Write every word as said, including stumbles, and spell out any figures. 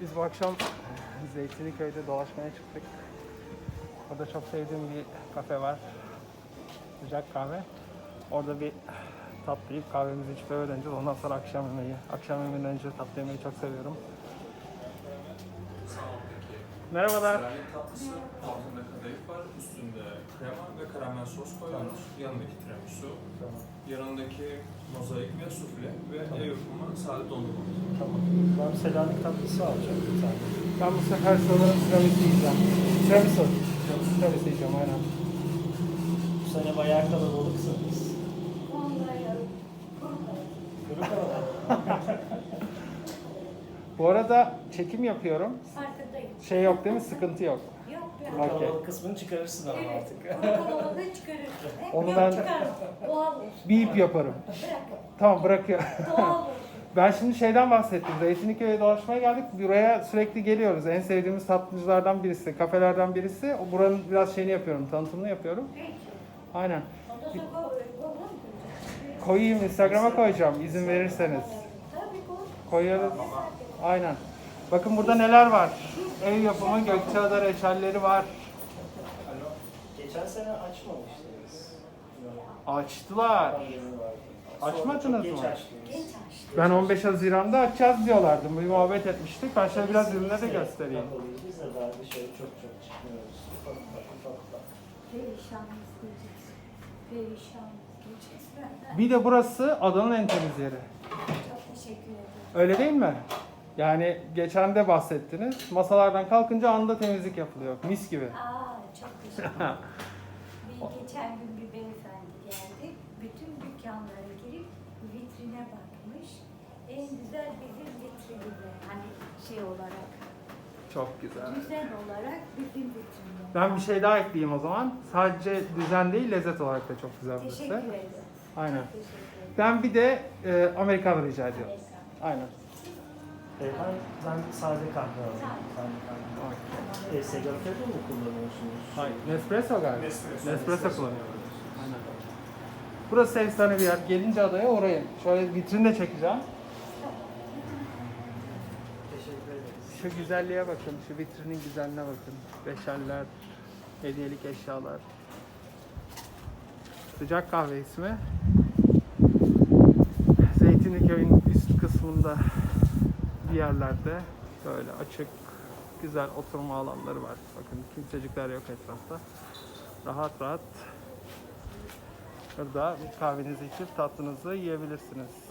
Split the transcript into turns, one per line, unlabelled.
Biz bu akşam Zeytinliköy'de dolaşmaya çıktık. Orada çok sevdiğim bir kafe var. Sıcak kahve. Orada bir tatlı yiyip kahvemizi içip eve döneceğiz. Ondan sonra akşam yemeği. Akşam yemeğinden önce tatlı yemeyi çok seviyorum. Merhabalar.
Seranik tatlısı, altında kadayıf var, üstünde krema ve karamel sos koyuyoruz. Yanındaki tiramisu, yanındaki mozaik ve sufle ve ev yapımı sade dondurma.
Tamam. Ben Selanik tatlısı alacağım bir tane.
Ben bu sefer sanırım tiramisu yiyeceğim. Tiramisu. Tiramisu yiyeceğim aynen.
Bu sene bayağı kalabalıksınız. Kuru kalabalık.
Bu arada çekim yapıyorum.
Farkındayım.
Şey yok değil mi? Sıkıntı yok.
Yok
Kuru
yok.
Okey.
kalabalık kısmını çıkarırsın ama
Evet.
artık.
Kalabalığı çıkarırsın. Hep
Onu
yok
ben-
çıkarım. Doğal olsun.
Bip yaparım.
Bırak.
Tamam bırakıyorum.
Doğal olsun.
Ben şimdi şeyden bahsettim. Zeytinliköy'e dolaşmaya geldik. Buraya sürekli geliyoruz. En sevdiğimiz tatlıcılardan birisi, kafelerden birisi. O buranın biraz şeyini yapıyorum, tanıtımını yapıyorum.
Peki.
Aynen.
Ondan sonra go- go- go- go-
Koyayım, Instagram'a koyacağım izin verirseniz.
Tabii koy.
Koyarız. Aynen. Bakın burada neler var. Ev yapımı Gökçeada reçelleri var.
Geçen sene açmamıştınız.
Açtılar.
Pandemi vardı.
Açmadınız
Sonra çok geç
mı?
açtınız.
Genç açtı.
Ben on beş Haziran'da açacağız diyorlardı. Bir muhabbet etmiştik. Ben şöyle biraz ürünleri de
Biz
göstereyim.
kapalıyız. Biz de daha dışarı çok çok çıkmıyoruz. Ufak ufak ufak ufak.
Perişanız diyeceksin. Perişanız diyeceksin.
Bir de burası adanın en temiz yeri.
Çok teşekkür ederim.
Öyle değil mi? Yani geçen de bahsettiniz. Masalardan kalkınca anda temizlik yapılıyor. Mis gibi.
Aa çok teşekkür ederim. Bir geçen gün bir beyefendi geldi. Bütün dükkanlara girip vitrine bakmış. En güzel bizim vitrininde. Hani şey olarak,
Çok güzel.
düzen olarak bizim vitrininde.
Ben bir şey daha ekleyeyim o zaman. Sadece düzen değil, lezzet olarak da çok güzel burası.
Teşekkür ederim.
Aynen.
Teşekkür ederim.
Ben bir de e, Amerikanı rica ediyorum.
Amerikan.
Aynen.
Ee, ben, ben sade kahve alayım.
Sade.
Sade kahve. Ee, Segafredo mu kullanıyorsunuz?
Hayır. Nespresso galiba.
Nespresso.
Nespresso kullanıyorum. Aynen. Burası efsane bir yer. Gelince adaya orayı. Şöyle vitrin de çekeceğim.
Teşekkür ederiz.
Şu güzelliğe bakın. Şu vitrinin güzelliğine bakın. Beşerler, hediyelik eşyalar. Sıcak kahve ismi. Zeytinliköy'ün üst kısmında bir yerlerde böyle açık, güzel oturma alanları var. Bakın kimsecikler yok etrafta. Rahat rahat burada kahvenizi içip tatlınızı yiyebilirsiniz.